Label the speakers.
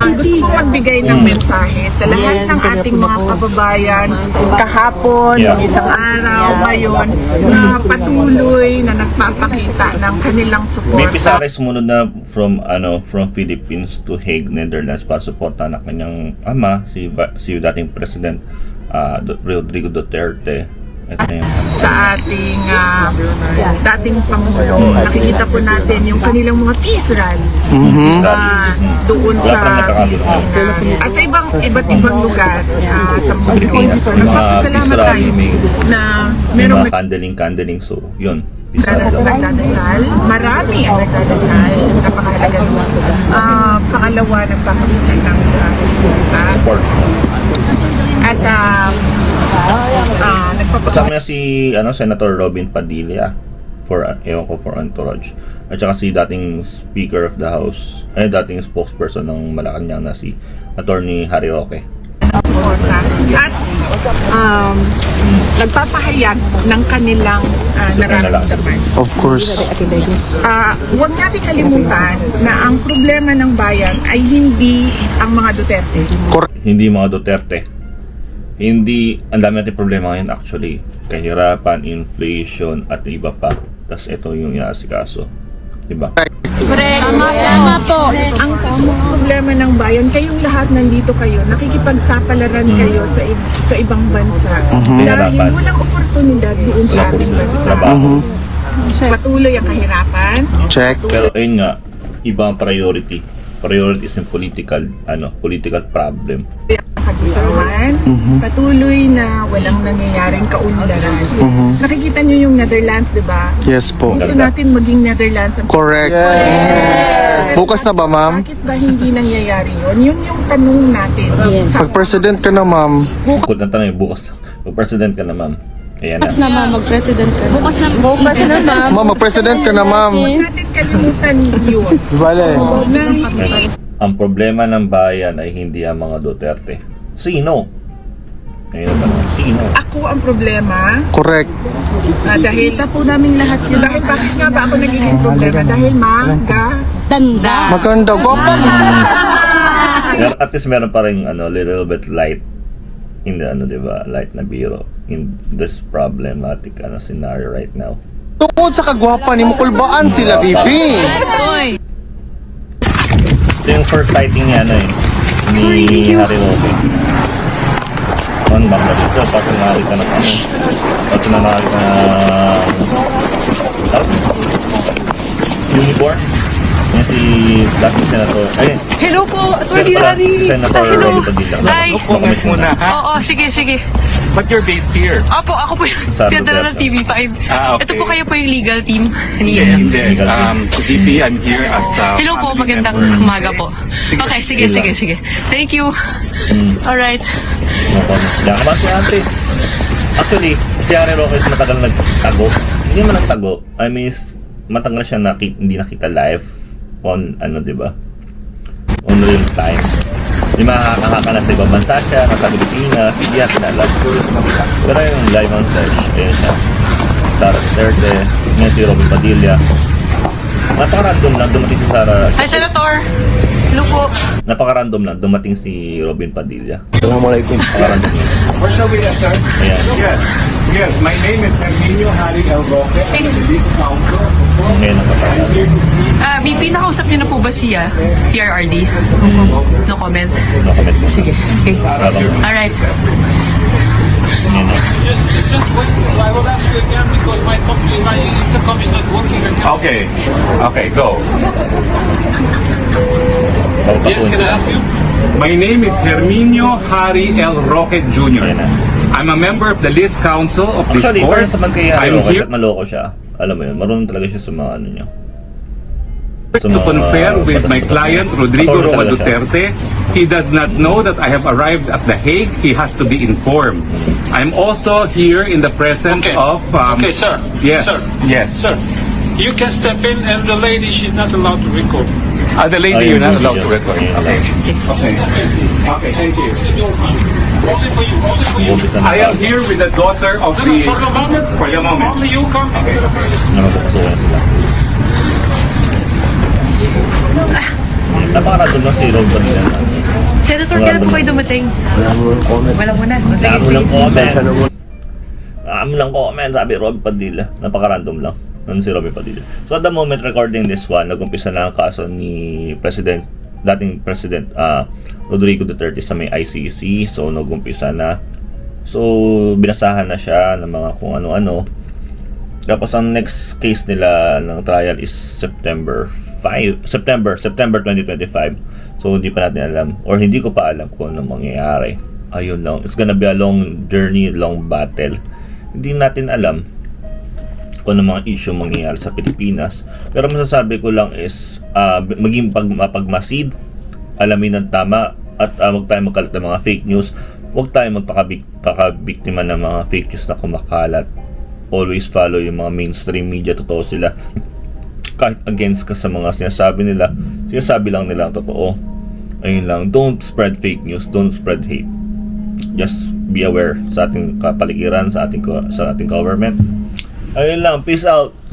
Speaker 1: Gusto ko magbigay ng mensahe sa lahat ng ating mga kababayan kahapon, isang araw, ngayon, na patuloy na nagpapakita ng kanilang
Speaker 2: May
Speaker 1: suporta.
Speaker 2: Pisare sumunod na from Philippines to Hague, Netherlands para suporta ng kanyang ama, si dating President Rodrigo Duterte. Ito na yung
Speaker 1: Sa ating dating Pangulo, nakikita po natin yung kanilang mga peace rallies doon sa Pilipinas at sa iba't ibang lugar sa mundo. So, nagpapasalamat tayo na
Speaker 2: mga
Speaker 1: merong
Speaker 2: kandeling. So, yun.
Speaker 1: nagdadasal. Marami ang nagdadasal. Napakahalaga naman. Pangalawa, nagpapakita ng susuporta.
Speaker 2: Support.
Speaker 1: At
Speaker 2: Kasama niya si Senator Robin Padilla for Entourage. At saka si dating Speaker of the House, dating spokesperson ng Malacanang na si Attorney Harry Roque.
Speaker 1: At nagpapahayag ng kanilang nararamdaman.
Speaker 3: Of course.
Speaker 1: Huwag natin kalimutan na ang problema ng bayan ay hindi ang mga Duterte.
Speaker 2: Hindi mga Duterte. Hindi, ang dami natin problema ngayon actually. Kahirapan, inflation, at iba pa. Tapos ito yung inaasikaso. Diba?
Speaker 4: Tama po.
Speaker 1: Ang problema ng bayan, kayong lahat nandito kayo, nakikipagsapalaran kayo sa ibang bansa. Dahil walang oportunidad doon sa ating bansa. Patuloy ang kahirapan.
Speaker 3: Check.
Speaker 2: Pero ayun nga, iba ang priority. Priority is yung political problem.
Speaker 1: Kaguluhan, patuloy na walang nangyayaring kaunlaran. Nakikita nyo yung Netherlands, di ba?
Speaker 3: Yes po.
Speaker 1: Gusto natin maging Netherlands.
Speaker 3: Correct. Bukas na ba, ma'am?
Speaker 1: Bakit ba hindi nangyayari yun? Yun yung tanong natin. Sa
Speaker 3: Pag-president ka na, ma'am.
Speaker 2: Bukod na tanong, bukas. Mag-president ka na, ma'am. Ayan na.
Speaker 4: Na ma'am, mag-president ka. Bukas na ma'am.
Speaker 3: Ma'am, mag-president ka na, ma'am.
Speaker 1: huwag natin kalimutan yun.
Speaker 3: Vale.
Speaker 1: Na hindi
Speaker 2: Ang problema ng bayan ay hindi ang mga Duterte. Sino? Ayun ang tanong. Sino?
Speaker 1: ako ang problema.
Speaker 3: Correct.
Speaker 1: Dahil po namin lahat yun. Dahil bakit nga ba ako nagiging problema? Dahil
Speaker 4: Tanda.
Speaker 3: Maganda. Gwapa.
Speaker 2: Pero at least meron pa rin little bit light in the diba? Light na biro in this problematic scenario right now.
Speaker 3: Tungkol sa kagwapa ni Mukulbaan sila, bibi.
Speaker 2: Ito yung first sighting niya ni Harry Roque. Bangladesh. So, pag nakakita na pag nakakita na uniform, yan si dating Senator.
Speaker 4: Hello po, Attorney Harry.
Speaker 2: Senator Robin Padilla.
Speaker 4: Hi.
Speaker 2: Comment muna.
Speaker 4: Oo, sige.
Speaker 5: But you're based here.
Speaker 4: Opo, ako po yung
Speaker 2: Sa
Speaker 4: pinadala ng
Speaker 2: Duterte.
Speaker 4: TV5.
Speaker 5: Okay.
Speaker 4: Ito po kayo po yung legal team.
Speaker 5: Hindi. VP, I'm here as
Speaker 4: Hello po,
Speaker 5: family
Speaker 4: magandang
Speaker 5: member.
Speaker 4: umaga po. Okay, sige. Thank you. Alright.
Speaker 2: Diyan ka ba si ate? Actually, si Harry Roque is matagal nagtago. Hindi man nagtago. I mean, matagal siya hindi nakita live on diba? On real time. Di makakahaka na sa ibang bansa siya, nasa Pilipinas, hindi natin alam. Pero yung live on stage, ayun siya. Sara Duterte, ngayon si Robin Padilla. Napaka-random lang dumating si Sara.
Speaker 4: Hi, Senator. Hello po.
Speaker 2: Napaka-random lang dumating si Robin Padilla.
Speaker 3: Assalamualaikum.
Speaker 2: Napaka-random lang.
Speaker 5: Where shall we enter?
Speaker 2: Ayan.
Speaker 5: Yes. My name is Herminio Harry El Roque. I'm the List Council.
Speaker 2: Ngayon ang
Speaker 5: I'm
Speaker 2: kapatid.
Speaker 5: here to see.
Speaker 4: BP, nakausap niyo na po ba siya? PRRD? No comment?
Speaker 2: No comment mo.
Speaker 4: Sige. Okay.
Speaker 2: Habang
Speaker 4: Alright.
Speaker 2: ngayon na.
Speaker 6: I will ask you again because my intercom is not working.
Speaker 5: Okay, go.
Speaker 6: Yes, can I help you?
Speaker 5: My name is Herminio Harry El Roque Jr.
Speaker 2: Ayan na.
Speaker 5: I'm a member of the List Council of this
Speaker 2: Actually,
Speaker 5: court.
Speaker 2: parang sa man kay Harry
Speaker 5: I'm
Speaker 2: Roque,
Speaker 5: here
Speaker 2: at maloko siya. Alam mo yun, marunong talaga siya sa mga niya. Sa
Speaker 5: to
Speaker 2: mga
Speaker 5: confer with my
Speaker 2: batas-batas
Speaker 5: client,
Speaker 2: niya.
Speaker 5: Rodrigo
Speaker 2: Attorney
Speaker 5: Roa
Speaker 2: talaga siya.
Speaker 5: Duterte. He does not know that I have arrived at The Hague. He has to be informed. I'm also here in the presence
Speaker 6: Okay.
Speaker 5: of...
Speaker 6: Okay, sir.
Speaker 5: Yes,
Speaker 6: Sir.
Speaker 5: yes.
Speaker 6: Sir, you can step in and the lady, she's not allowed to record.
Speaker 5: The lady,
Speaker 2: Ayun,
Speaker 5: you're not
Speaker 2: busy
Speaker 5: allowed
Speaker 2: siya.
Speaker 5: to record.
Speaker 2: Ayun.
Speaker 5: Okay. Okay, thank you.
Speaker 6: Only for you. Only for you.
Speaker 2: Umpisa na
Speaker 5: I am
Speaker 2: tayo.
Speaker 5: here with the daughter of
Speaker 6: No,
Speaker 5: the...
Speaker 6: for the moment.
Speaker 5: For the moment.
Speaker 6: Only you come.
Speaker 5: Okay.
Speaker 2: Na magpapatuwa sila. Napaka-random lang si Rob Padilla.
Speaker 4: Senator, kailan po kayo dumating? Wala muna. O, sige,
Speaker 2: Dami
Speaker 4: sige,
Speaker 2: lang
Speaker 4: sige.
Speaker 2: comment. Dami lang comment, sabi Robby Padilla. Napaka-random lang. Ano si Robby Padilla? So at the moment recording this one, nag-umpisa na ang kaso ni dating President Rodrigo Duterte sa may ICC. So nag-umpisa na. So binasahan na siya ng mga kung ano-ano. Tapos ang next case nila ng trial is September 2025. So hindi pa natin alam, or hindi ko pa alam kung ano mangyayari. Ayun lang. It's gonna be a long journey, long battle. Hindi natin alam kung ano mga issue mangyayari sa Pilipinas. Pero masasabi ko lang is maging mapagmasid, alamin ng tama, at huwag tayo magkalat ng mga fake news. Huwag tayo magpakabiktima ng mga fake news na kumakalat. Always follow yung mga mainstream media. Totoo sila. Kahit against ka sa mga sinasabi nila, sinasabi lang nila ang totoo. Ayun lang. Don't spread fake news. Don't spread hate. Just be aware sa ating kapaligiran, sa ating government. Ayun lang. Peace out.